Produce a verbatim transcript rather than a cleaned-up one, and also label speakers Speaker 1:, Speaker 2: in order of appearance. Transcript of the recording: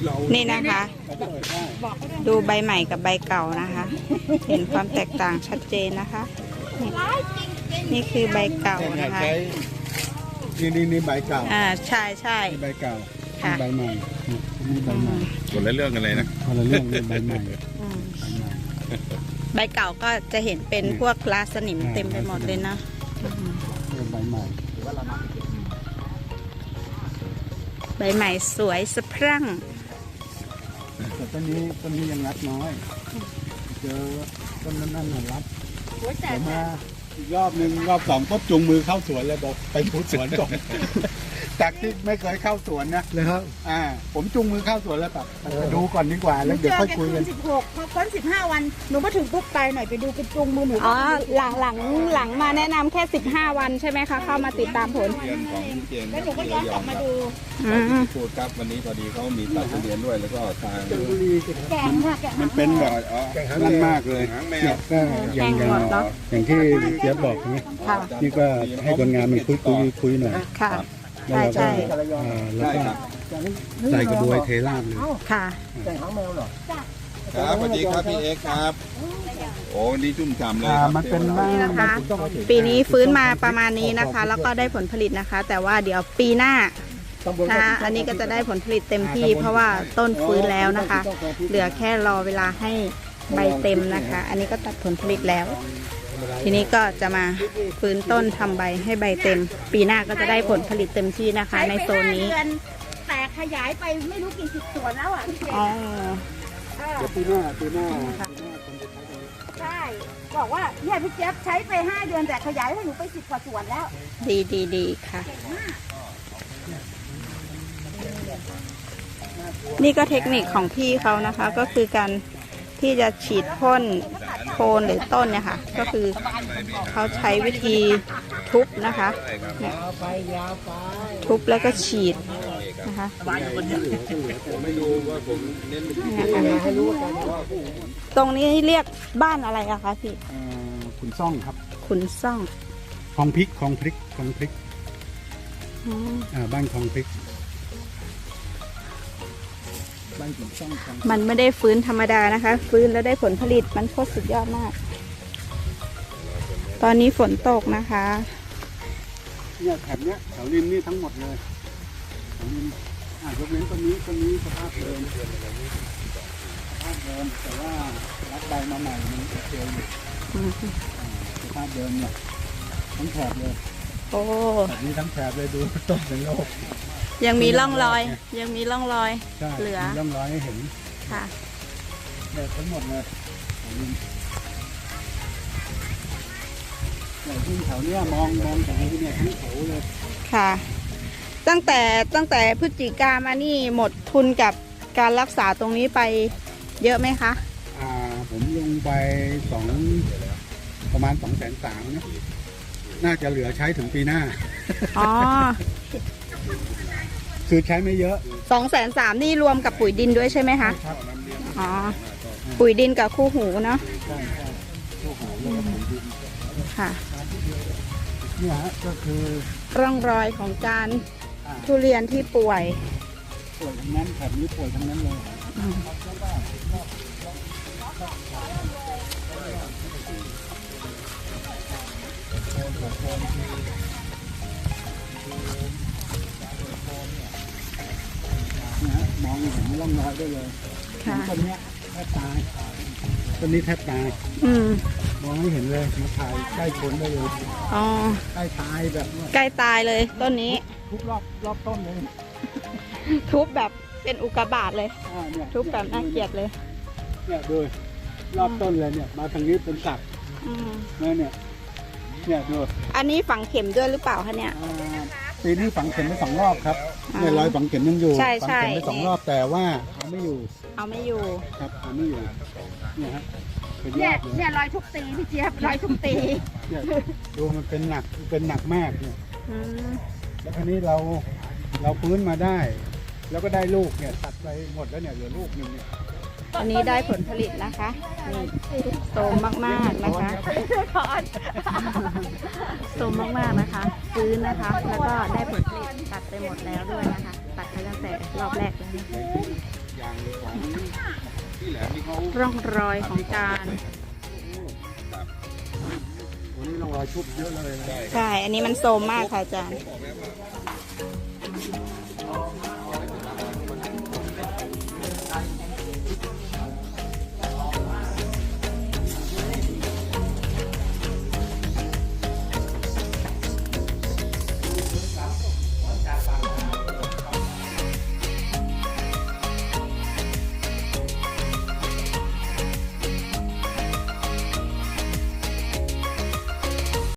Speaker 1: นี่นะคะ ดูใบใหม่กับใบเก่านะคะ เห็นความแตกต่างชัดเจนนะคะนี่นี่คือใบเก่านะคะ
Speaker 2: นี่นี่นี่ใบเก่า
Speaker 1: อ่าใช่ใช่
Speaker 2: ใบเก่าใบใหม่นี่ใบใหม่
Speaker 3: คนละเรื่องกันเลยนะ
Speaker 2: คนละเรื่องเลยใบใหม่
Speaker 1: ใบเก่าก็จะเห็นเป็นพวกลาสนิมเต็มไปหมดเลยนะ
Speaker 2: ใบใหม่
Speaker 1: ใบใหม่สวยสะพรั่ง
Speaker 2: แต่ต้นนี้ต้นนี้ยังรับน้อยเจอต้นนั้นนั่นรับแต่มาอีกรอบหนึ่งรอบสองก็จูงมือเข้าสวนเลยบอกไปพูดสวนก่อนจากที่ไม่เคยเข้าสวนนะเลยครับอ่าผมจูงมือเข้าสวนแล้วแบบไปดูก่อนดีกว่าแล้วเดี๋ยวค่อยคุยกัน
Speaker 4: สิบหกพอพ้นสิบห้าวันหนูมาถึงปุ๊บไปหน่อยไปดูเป็นจูงมือหนู
Speaker 1: อ๋อหลังหลังหลังมาแนะนำแค่สิบห้าวันใช่ไหมคะเข้ามาติดตามผล
Speaker 3: เรียนของพี่เจน
Speaker 4: แล้วหนูก็ย้อนกลับมาดู
Speaker 3: พูดครับวันนี้พอดีเขามีตัดเรียนด้วยแล้วก็ทาง
Speaker 4: แกงค่ะแกง
Speaker 2: มันเป็นแบบนั่นมากเลยเนี่ยก็อย่างอย่างอย่างที่เจี๊ยบบอกใช่ไหมนี่ก็ให้คนงานมันคุยคุยคุยหน่อย
Speaker 1: ค่ะใช่ใช่
Speaker 2: แล้วก็ใส่กระบวยเทราบเลย
Speaker 1: ค่ะ
Speaker 4: แกงหางแมวเหรอ
Speaker 3: ครับสวัสดีครับพี่เอ็กครับโอ้นี่จุ่มฉ่ำเลย
Speaker 2: มันเป็น
Speaker 1: นี่นะคะปีนี้ฟื้นมาประมาณนี้นะคะ แล้วก็ได้ผลผลิตนะคะ แต่ว่าเดี๋ยวปีหน้านะคะอันนี้ก็จะได้ผลผลิตเต็มที่เพราะว่าต้นฟื้นแล้วนะคะ เหลือแค่รอเวลาให้ใบเต็มนะคะ อันนี้ก็ตัดผลผลิตแล้วทีนี้ก็จะมาฟื้นต้นทำใบให้ใบเต็มปีหน้าก็จะได้ผลผลิตเต็มที่นะคะในโซนนี้
Speaker 4: แต่ขยายไปไม่รู้กี่สิบสวนแล้วอ่ะ
Speaker 1: อ๋อ
Speaker 2: ปีหน้าปีหน้า
Speaker 4: ใช่บอกว่าเนี่ยพี่เจี๊ยบใช้ไปห้าเดือนแต่ขยายให้หนูไปสิบกว่าสวนแล้ว
Speaker 1: ดีดีดีค่ะนี่ก็เทคนิคของพี่เขานะคะก็คือการที่จะฉีดพ่นโคนหรือต้นเนี่ยค่ะก็คือเขาใช้วิธีทุบนะคะเนี่ยทุบแล้วก็ฉีดนะคะตรงนี้เรียกบ้านอะไรอะคะพี่
Speaker 2: ขุนซ่องครับ
Speaker 1: ขุนซ่อง
Speaker 2: คลองพริกคลองพริกคลองพริกอ่าบ้านคลองพริก
Speaker 1: มันไม่ได้ฟื้นธรรมดานะคะฟื้นแล้วได้ผลผลิตมันโคตรสุดยอดมากตอนนี้ฝนตกนะคะ
Speaker 2: เนี่ยแถบเนี้ยแถวริมนี่ทั้งหมดเลยแถวริมอ่ายกเว้นต้นนี้ต้นนี้สภาพเดิมสภาพเดิมแต่ว่ารับใบมาใหม่มันโอเคอยู่สภาพเดิมเนี่ยทั้งแถบเลย
Speaker 1: โอ้
Speaker 2: แบบนี้ทั้งแถบเลยดูต้นเป็นโลก
Speaker 1: ยังมีร่องรอยยังมีร่องรอยเหลือ
Speaker 2: ร่องรอยให้เห็น
Speaker 1: ค่ะ
Speaker 2: เนี่ยทั้งหมดเลยเนี่ยที่แถวเนี้ยมองมองจากนี้เนี่ยทั้งแถวเลย
Speaker 1: ค่ะตั้งแต่ตั้งแต่พฤศจิกามานี่หมดทุนกับการรักษาตรงนี้ไปเยอะไหมคะ
Speaker 2: อ่าผมลงไปสองประมาณสองแสนสามนะน่าจะเหลือใช้ถึงปีหน้า
Speaker 1: อ๋อ
Speaker 2: คือใช้ไม่เยอะ
Speaker 1: สองแสนสามนี่รวมกับปุ๋ยดินด้วยใช่ไหมคะอ๋อปุ๋ยดินกับคู่หูเนาะค่ะ
Speaker 2: เนี่ยก็คือ
Speaker 1: ร่องรอยของการทุเรียนที่ป่วย
Speaker 2: ป่วยทั้งนั้นแถบนี้ป่วยทั้งนั้นเลยมองเห็นร่องรอยได้เลยต้นนี้แทบตายต้นนี้แทบตายมองไม่เห็นเลยมาถ่ายใกล้ชนได้เลย
Speaker 1: อ๋อ
Speaker 2: ใกล้ตายแบบ
Speaker 1: ใกล้ตายเลยต้นนี้
Speaker 2: ทุบรอบรอบต้นเลย
Speaker 1: ทุบแบบเป็นอุกกาบาตเลยทุบแบบน่าเกลียดเลย
Speaker 2: เนี่ยดูรอบต้นเลยเนี่ยมาทางนี้เป็นสักเนี่ยเนี่ยเนี่ยดู
Speaker 1: อันนี้ฝังเข็มด้วยหรือเปล่าคะเนี่ย
Speaker 2: ปีนี้ฝังเข็มไปสองรอบครับเนี่ยรอยฝังเข็มยังอยู่
Speaker 1: ฝัง
Speaker 2: เข็มไปสองรอบแต่ว่าเอาไม่อยู่
Speaker 1: เอาไม่อยู่
Speaker 2: ครับเอาไม่อยู่เนี่ยฮะ
Speaker 4: เนี่ยเนี่ยรอยทุกตีพี่เจี๊ยบรอยทุกตี
Speaker 2: เนี่ยดูมันเป็นหนักเป็นหนักมากเนี่ยแล้วทีนี้เราเราฟื้นมาได้แล้วก็ได้ลูกเนี่ยตัดไปหมดแล้วเนี่ยเหลือลูกหนึ่งเนี่ย
Speaker 1: อันนี้ได้ผลผลิตนะคะนี่โตมากๆนะคะโตมากๆนะคะฟื้นนะคะแล้วก็ได้ผลผลิตตัดไปหมดแล้วด้วยนะคะตัดไปตั้งแต่รอบแรกแล้ว
Speaker 3: อย่างของที่แหลมที่เขา
Speaker 1: ร่องรอยของการ
Speaker 2: วันนี้ลองรอยชุบเยอะเลยนะ
Speaker 1: ใช่ อันนี้มันโซมมากค่ะอาจารย์
Speaker 3: บอกแล้วว่า